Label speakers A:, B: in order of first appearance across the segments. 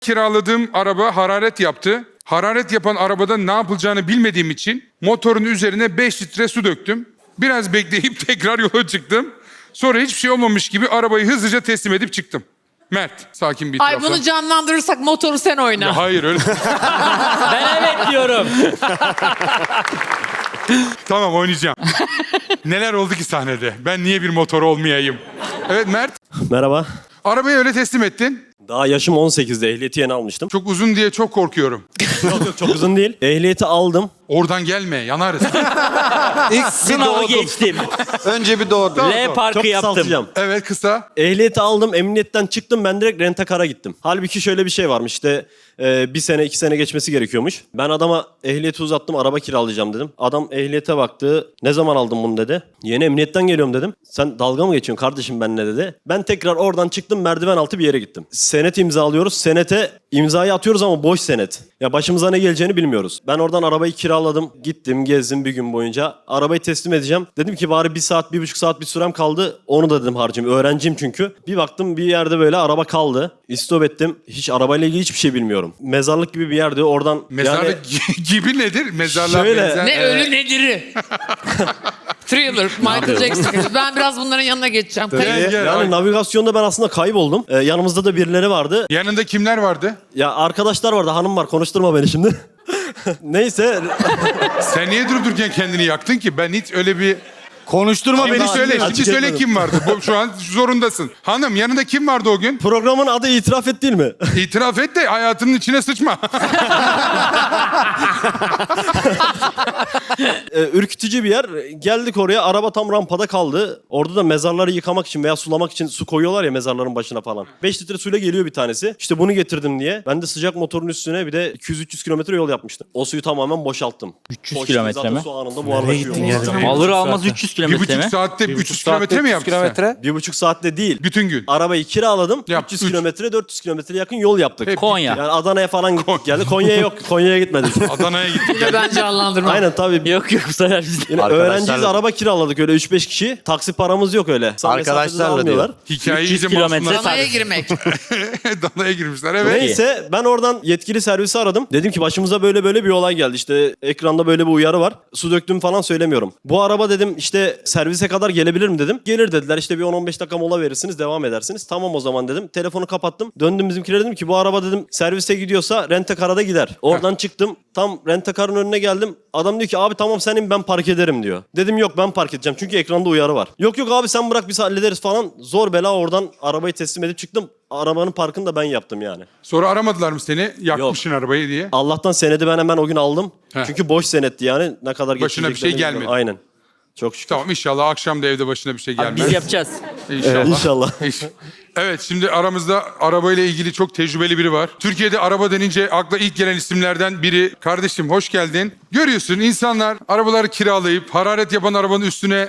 A: Kiraladığım araba hararet yaptı. Hararet yapan arabada ne yapılacağını bilmediğim için motorun üzerine 5 litre su döktüm. Biraz bekleyip tekrar yola çıktım. Sonra hiçbir şey olmamış gibi arabayı hızlıca teslim edip çıktım. Mert, sakin bir
B: Ay
A: itirafla.
B: bunu canlandırırsak motoru sen oyna.
A: Ya hayır öyle.
C: Ben evet diyorum.
A: Tamam oynayacağım. Neler oldu ki sahnede? Ben niye bir motor olmayayım? Evet Mert,
D: Merhaba.
A: arabayı öyle teslim ettin.
D: Daha yaşım 18'de ehliyeti yeni almıştım.
A: Çok uzun diye çok korkuyorum.
D: Yok çok uzun değil. Ehliyeti aldım.
A: Oradan gelme, yanarız.
E: İlk bir
C: Sınavı
E: doğdum.
C: geçtim.
E: Önce bir doğdum.
C: L parkı
D: Çok
C: yaptım.
D: kısaltacağım.
A: Evet kısa.
D: Ehliyeti aldım, emniyetten çıktım, ben direkt rent-a-car'a gittim. Halbuki şöyle bir şey varmış işte 1 sene 2 sene geçmesi gerekiyormuş. Ben adama ehliyeti uzattım, araba kiralayacağım dedim. Adam ehliyete baktı, ne zaman aldın bunu dedi. Yeni emniyetten geliyorum dedim. Sen dalga mı geçiyorsun kardeşim benimle dedi. Ben tekrar oradan çıktım, merdiven altı bir yere gittim. Senet imzalıyoruz, senete imzayı atıyoruz ama boş senet. Ya başımıza ne geleceğini bilmiyoruz. Ben oradan arabayı kiraladım, gittim, gezdim bir gün boyunca. Arabayı teslim edeceğim. Dedim ki bari 1 saat, 1,5 saat bir sürem kaldı. Onu da dedim harcayayım. Öğrenciyim çünkü. Bir baktım bir yerde böyle araba kaldı. İstop ettim. Hiç arabayla ilgili hiçbir şey bilmiyorum. Mezarlık gibi bir yerde oradan...
A: Mezarlık gibi nedir? Mezarlığa
D: Şöyle-
A: benzer.
B: Ne ölü nediri. Thriller, Michael Jackson. Ben biraz bunların yanına geçeceğim.
A: Gel.
D: Yani navigasyonda ben aslında kayboldum. Yanımızda da birileri vardı.
A: Yanında kimler vardı?
D: Ya arkadaşlar vardı, hanım var. Konuşturma beni şimdi. Neyse.
A: Sen niye durup dururken kendini yaktın ki? Ben hiç öyle bir...
E: Konuşturma
A: Şimdi
E: beni.
A: söyle,
D: açık
A: şimdi söyle
D: etmedim.
A: kim vardı? Şu an zorundasın. Hanım yanında kim vardı o gün?
D: Programın adı itiraf et değil mi?
A: İtiraf et de hayatının içine sıçma.
D: Ürkütücü bir yer. Geldik oraya, araba tam rampada kaldı. Orada da mezarları yıkamak için veya sulamak için su koyuyorlar ya mezarların başına falan. 5 litre suyla geliyor bir tanesi. İşte bunu getirdim diye. Ben de sıcak motorun üstüne bir de 200-300 kilometre yol yapmıştım. O suyu tamamen boşalttım.
C: 300
D: Boş
C: kilometre
D: zaten
C: mi?
D: Su anında buharlaşıyor.
C: Alır almaz 300 kilometre mi?
A: 1,5 saatte 300 kilometre mi yaptın sen?
D: 1,5 saatte değil.
A: Bütün gün.
D: Arabayı kiraladım.
A: Yap,
D: 300
A: üç.
D: kilometre, 400 kilometre yakın yol yaptık.
A: Hep
C: Konya.
D: Yani Adana'ya falan gittik geldi. Konya'ya yok. Konya'ya gitmedik.
A: Adana'ya gittik.
B: Yine ben canlandırmam.
D: Aynen tabii.
C: Yok bu sefer bizde.
D: Yine
E: Arkadaşlarla-
D: öğrenciyiz, araba kiraladık öyle 3-5 kişi. Taksi paramız yok öyle.
E: Arkadaşlarla
D: almıyorlar.
A: Hikayeyi
C: 300
A: iyice
C: kilometre
A: masumlar.
B: Danaya girmek.
A: Danaya girmişler evet.
D: Neyse ben oradan yetkili servisi aradım. Dedim ki başımıza böyle böyle bir olay geldi. İşte ekranda böyle bir uyarı var. Su döktüm falan söylemiyorum. Bu araba dedim işte servise kadar gelebilir mi dedim. Gelir dediler, işte bir 10-15 dakika mola verirsiniz, devam edersiniz. Tamam o zaman dedim. Telefonu kapattım. Döndüm bizimkilere, dedim ki bu araba dedim servise gidiyorsa rent-a-car'a da gider. Oradan çıktım. Tam rent-a-car'ın önüne geldim. Adam diyor ki abi tamam sen in, ben park ederim diyor. Dedim yok ben park edeceğim çünkü ekranda uyarı var. Yok yok abi sen bırak biz hallederiz falan. Zor bela oradan arabayı teslim edip çıktım. Arabanın parkını da ben yaptım yani.
A: Sonra aramadılar mı seni? Yakmışsın arabayı diye.
D: Allah'tan senedi ben hemen o gün aldım.
A: Heh.
D: Çünkü boş senetti yani. Ne kadar
A: Başına bir şey
D: geçireceklerini
A: gelmedi.
D: bilmiyorum. Aynen. Çok şükür.
A: Tamam inşallah akşam da evde başına bir şey gelmez.
C: Biz yapacağız.
A: İnşallah.
D: İnşallah.
A: Evet şimdi aramızda arabayla ilgili çok tecrübeli biri var. Türkiye'de araba denince akla ilk gelen isimlerden biri. Kardeşim hoş geldin. Görüyorsun insanlar arabaları kiralayıp hararet yapan arabanın üstüne...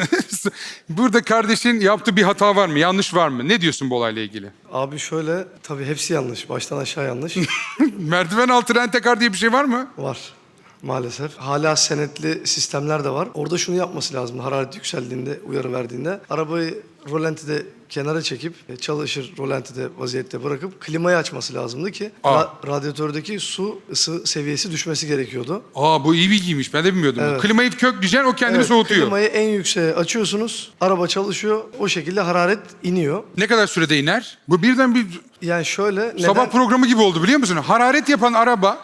A: Burada kardeşin yaptığı bir hata var mı? Yanlış var mı? Ne diyorsun bu olayla ilgili?
F: Abi şöyle, tabii hepsi yanlış. Baştan aşağı yanlış.
A: Merdiven altı rent-a-car diye bir şey var mı?
F: Var maalesef. Hala senetli sistemler de var. Orada şunu yapması lazım. Hararet yükseldiğinde, uyarı verdiğinde arabayı rolantide kenara çekip çalışır rolantide vaziyette bırakıp klimayı açması lazımdı ki radyatördeki su ısı seviyesi düşmesi gerekiyordu.
A: Aa bu iyi bilgiymiş. Ben de bilmiyordum.
F: Evet.
A: Klimayı kökleyeceksin o kendini
F: Evet,
A: soğutuyor.
F: klimayı en yükseğe açıyorsunuz. Araba çalışıyor. O şekilde hararet iniyor.
A: Ne kadar sürede iner? Bu birden bir
F: Yani şöyle
A: sabah programı gibi oldu biliyor musun? Hararet yapan araba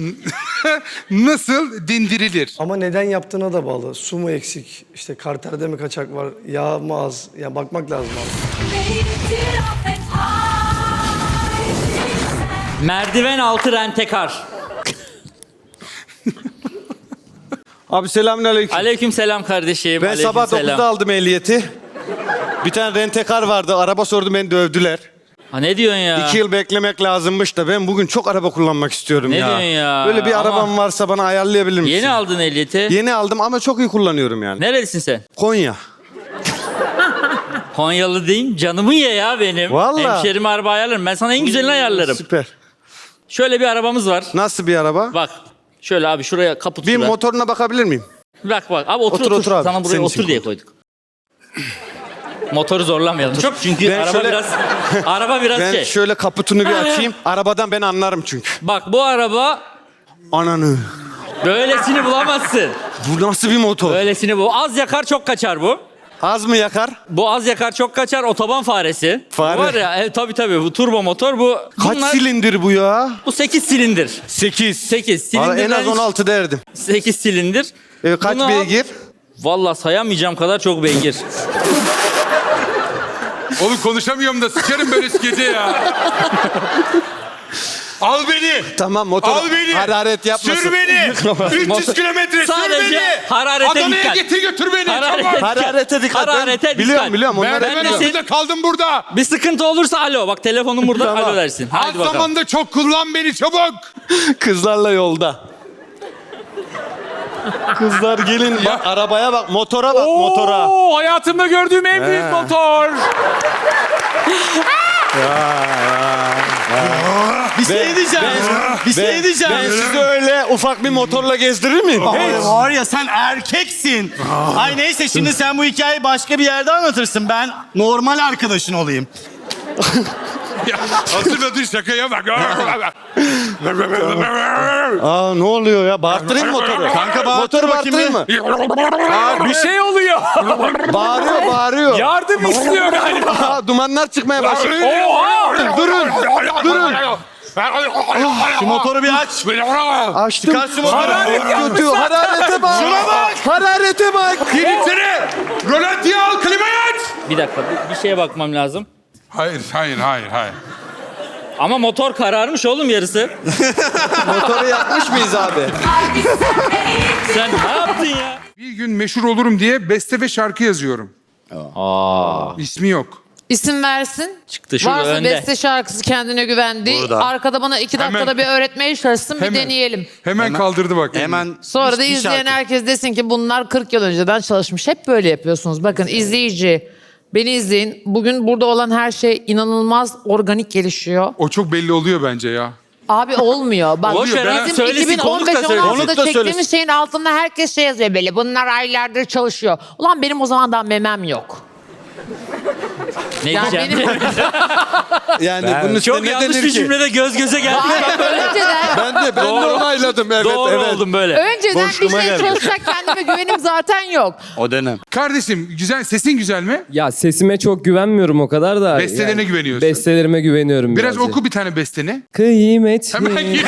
A: nasıl dindirilir?
F: Ama neden yaptığına da bağlı. Su mu eksik, işte karterde mi kaçak var, yağ mı az? Ya bakmak lazım abi.
C: Merdiven altı rentekar.
E: Abi selamünaleyküm.
C: Aleyküm selam kardeşim.
E: Ben
C: aleyküm
E: sabah
C: selam.
E: 9'da aldım ehliyeti. Bir tane rentekar vardı. Araba sordum, beni dövdüler.
C: Ha ne diyorsun ya?
E: 2 yıl beklemek lazımmış da ben bugün çok araba kullanmak istiyorum
C: Ne
E: ya.
C: diyorsun ya?
E: Böyle bir
C: Ama-
E: arabam varsa bana ayarlayabilir misin?
C: Yeni aldın ehliyeti.
E: Yeni aldım ama çok iyi kullanıyorum yani.
C: Nerelisin sen?
E: Konya.
C: Konyalı değil, canımı ye ya benim.
E: Vallahi.
C: Hemşerime araba ayarlarım. Ben sana en güzelini ayarlarım.
E: Süper.
C: Şöyle bir arabamız var.
E: Nasıl bir araba?
C: Bak. Şöyle abi şuraya kaput
E: Bir
C: şuraya.
E: motoruna bakabilir miyim?
C: Bak. Abi otur
E: Otur,
C: otur.
E: otur abi.
C: Sana buraya
E: Senin
C: otur
E: için
C: diye koyduk. Motoru zorlamayalım. Çok çünkü
E: Ben
C: araba
E: şöyle-
C: biraz araba biraz
E: Ben
C: şey.
E: şöyle kaputunu bir açayım. Arabadan ben anlarım çünkü.
C: Bak bu araba
E: Ananı.
C: böylesini bulamazsın.
E: Bu nasıl bir motor?
C: Böylesini bu. Az yakar çok kaçar bu.
E: Az mı yakar?
C: Bu az yakar çok kaçar otoban faresi.
E: Fare.
C: Bu var ya tabii bu turbo motor bu.
E: Kaç silindir bu ya?
C: Bu 8 silindir.
E: 8.
C: 8
E: Valla
C: silindir.
E: en az 16 derdim.
C: 8 silindir.
E: Kaç
C: Bunu al.
E: beygir?
C: Vallahi sayamayacağım kadar çok beygir.
A: Oğlum konuşamıyorum da sikerim böyle skece ya. Al beni.
E: Tamam motor
A: Al beni.
E: hararet yapmasın.
A: Sür beni. 300 kilometre sür
C: Sadece
A: beni.
C: hararete
A: Adana'ya
C: dikkat.
A: getir götür beni.
C: Hararete
A: Çabuk.
C: dikkat.
E: Hararete dikkat.
C: Hararete dikkat.
E: Biliyorum onları
A: Merdiven
C: biliyorum.
A: altında kaldım burada.
C: Bir sıkıntı olursa alo. Bak telefonum burada
E: Tamam.
C: alo dersin.
A: Az
C: Hadi bakalım.
A: zamanda çok kullan beni çabuk.
E: Kızlarla yolda. Kızlar gelin bak arabaya bak motora bak motora.
C: Oo, hayatımda gördüğüm en büyük motor.
E: Bir şey diyeceğim. Bir şey diyeceğim. Ben sizi öyle ufak bir motorla gezdirir miyim?
G: Hey, var ya sen erkeksin. Ay neyse şimdi sen bu hikayeyi başka bir yerde anlatırsın. Ben normal arkadaşın olayım.
A: Ya, hatırladın şakaya bak.
E: Aa ne oluyor ya? Bağırttırayım mı motoru?
G: Kanka bağırttır
E: Motoru
G: bakayım
E: bağırttırayım mı?
C: Bir şey oluyor.
E: Bağırıyor.
C: Yardım istiyor galiba.
E: Aa, dumanlar çıkmaya başladı.
C: Oha!
E: Durun.
G: Şu motoru bir aç.
E: Açtım.
G: Çıkar şu motoru.
E: Kötü. Hararete bak.
G: Şuna bak.
E: Hararete bak.
A: Gir içeri. Rolantiye al klimayı aç.
C: Bir dakika bir şeye bakmam lazım.
A: Hayır.
C: Ama motor kararmış oğlum yarısı.
E: Motoru yakmış mıyız abi?
C: Sen ne yaptın ya?
A: Bir gün meşhur olurum diye beste ve şarkı yazıyorum. İsmi yok.
B: İsim versin.
C: Çıktı şurada
B: Varsa
C: önde.
B: beste şarkısı kendine güvendi.
E: Burada.
B: Arkada bana 2 dakikada
A: Hemen.
B: bir öğretmeye çalışsın bir
A: Hemen.
B: deneyelim.
A: Hemen kaldırdı bak.
E: Hemen.
B: Sonra da
E: bir
B: izleyen
E: şarkı.
B: herkes desin ki bunlar 40 yıl önceden çalışmış. Hep böyle yapıyorsunuz. Bakın izleyici, beni izleyin. Bugün burada olan her şey inanılmaz organik gelişiyor.
A: O çok belli oluyor bence ya.
B: Abi olmuyor. Bak
C: Boş ver ha,
B: bizim
C: söylesin, konuk da söylesin.
B: 2015-16'da
E: Konuk da
B: çektiğimiz
E: söylesin.
B: şeyin altında herkes şey yazıyor böyle. Bunlar aylardır çalışıyor. Ulan benim o zaman daha memem yok.
C: Ne
B: Yani
C: diyeceğim?
B: benim
E: Yani bunun üstüne
C: Çok
E: ne
C: yanlış
E: denir
C: bir
E: ki?
C: cümlede göz göze geldi.
B: önceden
E: Ben de onayladım evet
C: Doğru
E: evet.
C: oldum böyle.
B: önceden bir
E: Boşluğuma
B: şey
E: geldi.
B: çalışacak kendime güvenim zaten yok.
E: O dönem.
A: Kardeşim güzel sesin güzel mi?
H: Ya sesime çok güvenmiyorum o kadar da.
A: Bestelerine güveniyorsun.
H: Bestelerime güveniyorum
A: Biraz
H: birazcık.
A: oku bir tane besteni.
H: Kıymetli.
A: Hemen gir.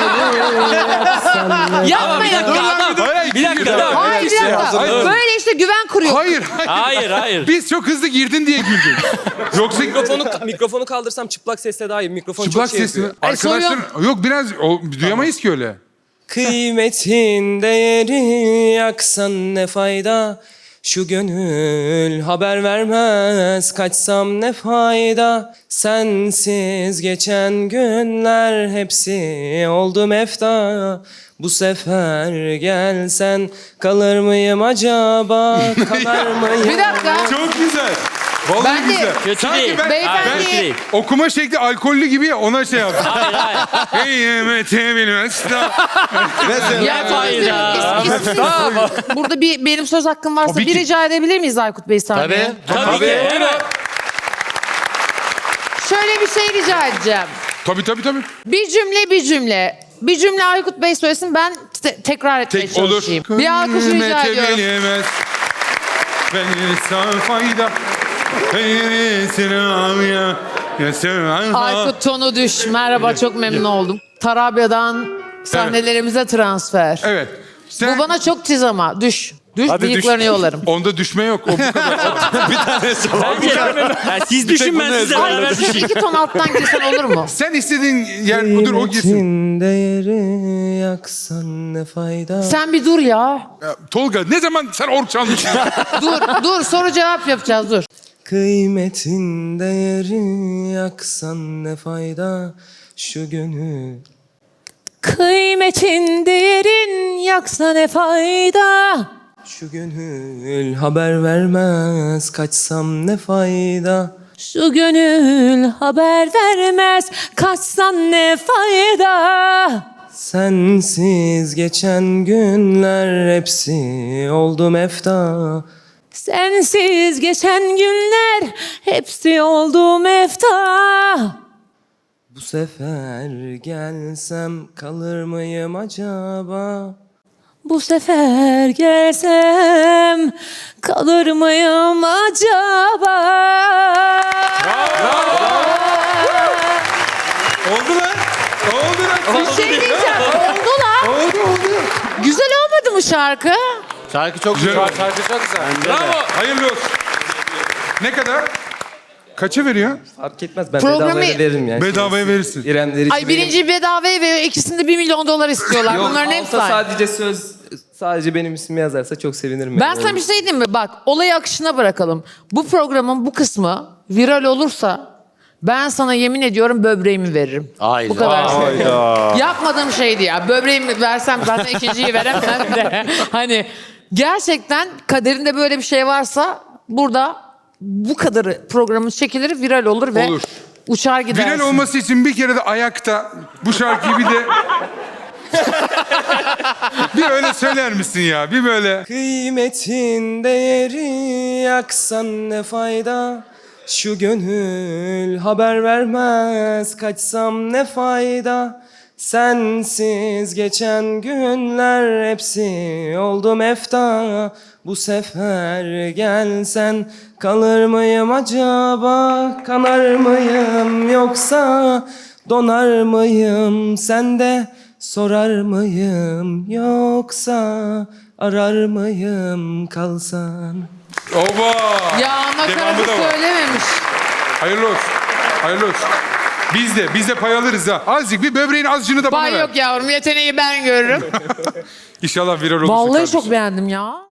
B: Yapmayın.
A: Hayır,
C: Bir dakika
A: giriyor.
C: daha.
B: Hayır bir dakika.
A: Hayır.
B: Böyle işte güven kuruyor.
C: Hayır.
A: Biz çok hızlı girdin diye güldük. Yoksa
H: Mikrofonu kaldırsam çıplak sesle daha iyi. Mikrofon
A: çıplak
H: çok şey
A: sesli.
H: yapıyor.
A: Arkadaşlar yok biraz duyamayız ki öyle.
H: Kıymetin değeri yaksan ne fayda? Şu gönül haber vermez kaçsam ne fayda? Sensiz geçen günler hepsi oldu mefta. Bu sefer gelsen kalır mıyım acaba? Kalar mıyım?
B: Bir dakika.
A: Çok güzel. Vallahi
B: Ben de-
A: güzel.
C: Kötü
A: Sanki
C: değil.
A: ben
B: Beyefendi-
C: Kötü değil.
A: okuma şekli alkollü gibi ya ona şey yaptım.
C: Hayır.
A: Kıymeti bilmez.
E: Mesela
B: Ya
C: fayda.
B: Burada bir benim söz hakkım varsa
A: Tabii
B: bir
A: ki.
B: rica edebilir miyiz Aykut Bey sahneye?
C: Tabii ki. Hemen.
B: Şöyle bir şey rica edeceğim.
A: Tabii.
B: Bir cümle. Bir cümle Aykut Bey söylesin ben tekrar etmeye
A: Tek olur.
B: çalışayım. Bir alkış rica
A: Kıymeti
B: ediyorum.
A: bilemez. Ben fayda.
B: Aykut tonu düş. Merhaba çok memnun oldum. Tarabya'dan sahnelerimize transfer.
A: Evet. Sen,
B: Bu bana çok tiz ama düş. Düş
A: Hadi düş.
B: bıyıklarını yolarım.
A: Onda düşme yok. O bu kadar.
C: Ya siz düşün ben sizle beraber
B: Aykut
C: düşeyim.
B: 2 ton alttan girsen olur mu?
A: Sen istediğin yer budur o gitsin.
H: Kıymetin değeri yaksan ne fayda?
B: Sen bir dur ya.
A: Ya, Tolga ne zaman sen ork çalmışsın?
B: Dur soru cevap yapacağız dur.
H: Kıymetin değeri yaksan ne fayda? Şu gönül.
B: Kıymetin değerin yaksa ne fayda?
H: Şu gönül haber vermez kaçsam ne fayda?
B: Şu gönül haber vermez kaçsan ne fayda?
H: Sensiz geçen günler hepsi oldu mefta.
B: Sensiz geçen günler hepsi oldu mefta.
H: Bu sefer gelsem kalır mıyım acaba?
B: Bu sefer gelsem kalır mıyım acaba?
A: Oldu lan. Oldu lan.
B: Bir şey diyeceğim. Oldu lan.
A: Oldu.
B: Güzel olmadı mı şarkı?
G: Şarkı çok
A: Güzel
G: güzel.
A: oldu.
E: Şarkı çok güzel.
A: Bravo. Hayırlı olsun. Ne kadar? Kaça veriyor?
H: Fark etmez, ben
B: Programı-
H: bedavaya veririm yani.
A: Bedavaya verirsin.
H: İremleri
B: Ay birinci bedavaya veriyor. İkisinde $1 milyon istiyorlar. Bunların hepsi aynı.
H: sadece sadece benim ismimi yazarsa çok sevinirim.
B: Ben sana bir şey diyeyim mi? Bak olayı akışına bırakalım. Bu programın bu kısmı viral olursa ben sana yemin ediyorum böbreğimi veririm.
G: Hayda.
B: Bu kadar söyleyeyim. Yapmadığım şeydi ya. Böbreğimi versem zaten ikinciyi veremem de. Hani gerçekten kaderinde böyle bir şey varsa burada bu kadarı programın çekilir, viral olur ve
A: Olur.
B: uçar gidersin.
A: Viral olması için bir kere de ayakta bu şarkıyı bir de... bir öyle söyler misin ya? Bir böyle...
H: Kıymetin değeri yaksan ne fayda? Şu gönül haber vermez, kaçsam ne fayda? Sensiz geçen günler hepsi oldu mefta. Bu sefer gelsen kalır mıyım acaba? Kanar mıyım yoksa donar mıyım? Sen de sorar mıyım yoksa arar mıyım kalsan?
A: Oba!
B: Ya
A: Devamı
B: nakaratı
A: da var.
B: söylememiş.
A: Hayırlı olsun. Hayırlı olsun. Biz de pay alırız ha. Azıcık bir böbreğin azıcını bana
B: Bay
A: ver.
B: yok yavrum, yeteneği ben görürüm.
A: İnşallah viral olursun
B: Vallahi
A: kardeşim.
B: çok beğendim ya.